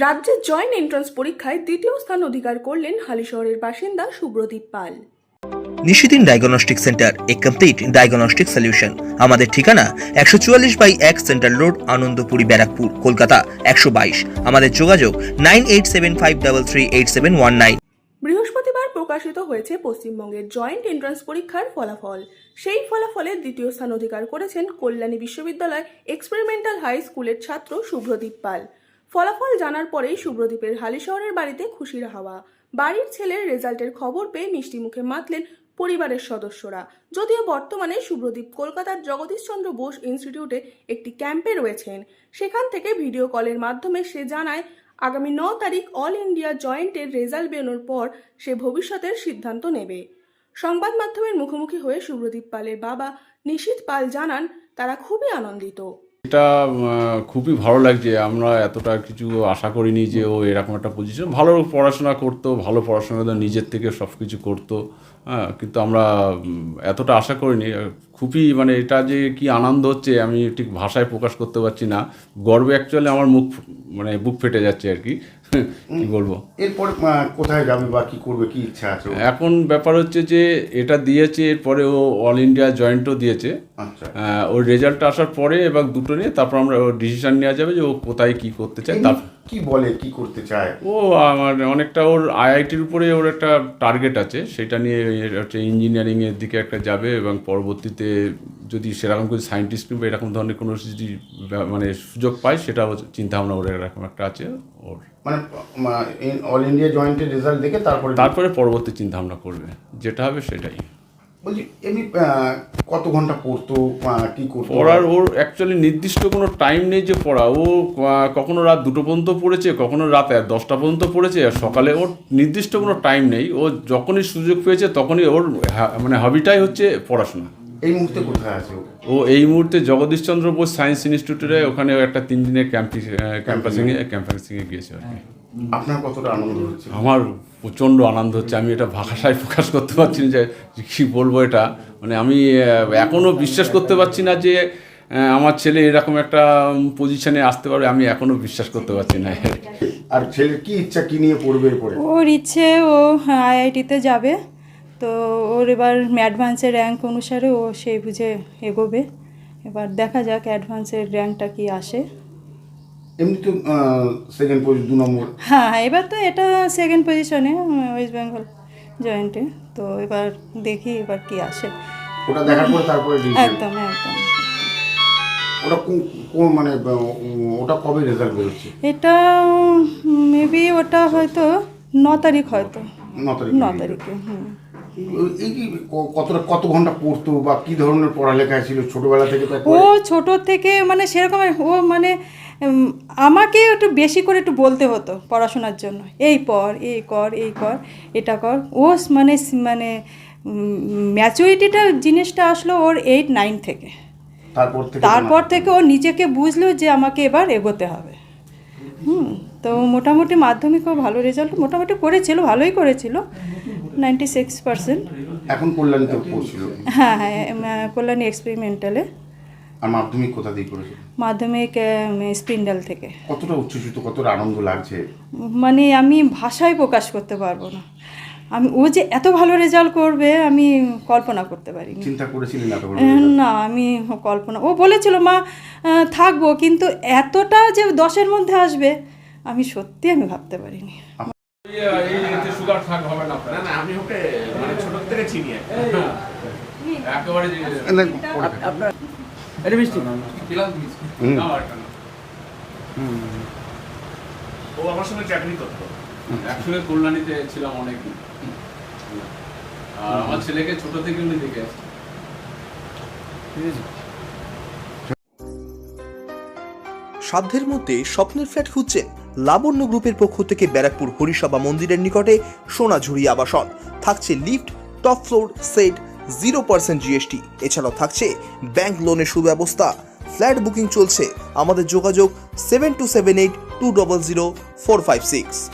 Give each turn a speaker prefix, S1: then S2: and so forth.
S1: রাজ্যের joint entrance পরীক্ষায় দ্বিতীয় স্থান অধিকার করলেন হালিশহরের বাসিন্দা Subradip Pal.
S2: Nishidin diagnostic centre, a complete diagnostic solution. আমাদের ঠিকানা 144/1 সেন্ট্রাল রোড, আনন্দপুরি, ব্যারাকপুর, কলকাতা 122। আমাদের যোগাযোগ 9875338719।
S1: বৃহস্পতিবার প্রকাশিত হয়েছে পশ্চিমবঙ্গের জয়েন্ট এন্ট্রান্স পরীক্ষার ফলাফল। সেই ফলাফলে দ্বিতীয় স্থান অধিকার করেছেন কল্যাণী বিশ্ববিদ্যালয় এক্সপেরিমেন্টাল হাই স্কুলের ছাত্র সুব্রদীপ পাল। ফলাফল জানার পরেই সুব্রদীপের হালিশহরের বাড়িতে খুশির হাওয়া। বাড়ির ছেলের রেজাল্টের খবর পেয়ে মিষ্টি মুখে মাতলেন পরিবারের সদস্যরা। যদিও বর্তমানে সুব্রদীপ কলকাতার জগদীশচন্দ্র বোস ইনস্টিটিউটে একটি ক্যাম্পে রয়েছেন। সেখান থেকে ভিডিও কলের মাধ্যমে সে জানায়, আগামী 9 তারিখ অল ইন্ডিয়া জয়েন্টের রেজাল্ট বেরোনোর পর সে ভবিষ্যতের সিদ্ধান্ত নেবে। সংবাদ মাধ্যমের মুখোমুখি হয়ে সুব্রদীপ পালের বাবা নিশীথ পাল জানান, তারা খুবই আনন্দিত।
S3: এটা খুবই ভালো লাগছে। আমরা এতটা কিছু আশা করিনি যে ও এরকম একটা পজিশন, ভালো পড়াশোনা করতো, ভালো পড়াশোনা করতো, নিজের থেকে সব কিছু করতো, হ্যাঁ, কিন্তু আমরা এতটা আশা করিনি। খুবই এটা যে কি আনন্দ হচ্ছে আমি ঠিক ভাষায় প্রকাশ করতে পারছি না। গর্বে অ্যাকচুয়ালি আমার বুক ফেটে যাচ্ছে আর কি, কি বলবো।
S4: এরপর কোথায় যাবে বা কি করবে, কি ইচ্ছা আছে?
S3: এখন ব্যাপার হচ্ছে যে এটা দিয়েছে, এরপরে ও অল ইন্ডিয়া জয়েন্টও দিয়েছে।
S4: আচ্ছা,
S3: ওর রেজাল্টটা আসার পরে এবার দুটো নিয়ে তারপর আমরা ওর ডিসিশন নেওয়া যাবে যে ও কোথায় কি করতে চায়।
S4: কি বলে, কি করতে চায়
S3: ও আমার অনেকটা ওর আইআইটির উপরে ওর একটা টার্গেট আছে, সেটা নিয়ে হচ্ছে ইঞ্জিনিয়ারিংয়ের দিকে একটা যাবে এবং পরবর্তীতে যদি সেরকম কোনো সায়েন্টিস্ট কিংবা এরকম ধরনের কোনো যদি সুযোগ পায় সেটাও চিন্তাভাবনা ওর এরকম একটা আছে ওর।
S4: অল ইন্ডিয়া জয়েন্টের রেজাল্ট দেখে
S3: তারপরে পরবর্তী চিন্তাভাবনা করবে, যেটা হবে সেটাই।
S4: বলছি এমনি কত ঘন্টা পড়তো, কি করতো?
S3: পড়ার ওর অ্যাকচুয়ালি নির্দিষ্ট কোনো টাইম নেই যে পড়া। ও কখনো রাত 2টো পর্যন্ত পড়েছে, কখনো রাত 10টা পর্যন্ত পড়েছে, আর সকালে ওর নির্দিষ্ট কোনো টাইম নেই। ও যখনই সুযোগ পেয়েছে তখনই ওর হবিটাই হচ্ছে পড়াশোনা।
S4: এই মুহূর্তে কোথায় আছে
S3: ও এই মুহূর্তে জগদীশচন্দ্র বোস সায়েন্স ইনস্টিটিউটে ওখানে একটা 3 দিনের ক্যাম্পাসিংয়ে গিয়েছে আর কি।
S4: আপনার কতটা আনন্দ হচ্ছে?
S3: আমার প্রচণ্ড আনন্দ হচ্ছে। আমি এটা ভাষায় প্রকাশ করতে পারছি না যে কী বলবো। এটা আমি এখনও বিশ্বাস করতে পারছি না যে আমার ছেলে এরকম একটা পজিশনে আসতে পারবে। আমি এখনও বিশ্বাস করতে পারছি না।
S4: আর ছেলের কি ইচ্ছা, কি নিয়ে পড়বে এরপরে?
S5: ওর ইচ্ছে ও আইআইটিতে যাবে, তো ওর এবার অ্যাডভান্সের র্যাঙ্ক অনুসারে ও সেই বুঝে এগোবে। এবার দেখা যাক অ্যাডভান্সের র্যাঙ্কটা কি আসে।
S4: এমনি তো সেকেন্ড পজিশন, 2 নম্বর।
S5: হ্যাঁ, এবার তো এটা সেকেন্ড পজিশনে ওয়েস্ট বেঙ্গল জয়েন্টে। তো এবার দেখি এবার কি আসে,
S4: ওটা দেখার পরে তারপরে
S5: একদম একদম।
S4: ওটা ওটা কবে রেজাল্ট বেরোচ্ছে?
S5: এটা মেবি ওটা হয়তো 9 তারিখ, হয়তো 9 তারিখে।
S4: এই কি কত ঘন্টা পড়তো বা কি ধরনের পড়ালেখায় ছিল ছোটবেলা থেকে?
S5: ও ছোট থেকে সেরকম ও আমাকে একটু বেশি করে একটু বলতে হতো পড়াশোনার জন্য, এই পড়, এই কর, এই কর, এটা কর। ও ম্যাচুরিটিটা জিনিসটা আসলো ওর 8-9 থেকে। তারপর থেকে ও নিজেকে বুঝলো যে আমাকে এবার এগোতে হবে। তো মোটামুটি মাধ্যমিকও ভালো রেজাল্ট মোটামুটি করেছিল, ভালোই করেছিল, 96%।
S4: এখন কল্যাণীতে পড়ছিল?
S5: হ্যাঁ, কল্যাণী এক্সপেরিমেন্টালে।
S4: আর মাধ্যমিক কোথা দিয়ে করেছিল?
S5: মাধ্যমিক স্পিন্ডাল থেকে।
S4: কতটা উচ্ছ্বসিত, কতটা আনন্দ লাগছে
S5: আমি ভাষায় প্রকাশ করতে পারবো না। ও যে এত ভালো রেজাল্ট করবে আমি কল্পনা করতে পারিনি।
S4: চিন্তা করেছিলেন এত ভালো?
S5: না, আমি ও বলেছিল মা থাকবো, কিন্তু এতটা যে 10-এর মধ্যে আসবে আমি ভাবতে পারিনি।
S3: আমি ওকে ছোট থেকে চিনি একেবারে। ও আমার সঙ্গে চাকরি করতো, একসঙ্গে কল্যাণীতে ছিলাম অনেকদিন। আর আমার ছেলেকে ছোট থেকে উনি দেখে আসছে।
S2: সাধ্যের মধ্যে স্বপ্নের ফ্ল্যাট খুঁজছেন? লাবণ্য গ্রুপের পক্ষ থেকে ব্যারাকপুর হরিসভা মন্দিরের নিকটে সোনাঝুরি আবাসন। থাকছে lift, top floor, set, 0% GST। এছাড়াও থাকছে ব্যাংক লোনের সুব্যবস্থা। ফ্ল্যাট বুকিং চলছে। আমাদের যোগাযোগ 7278200456।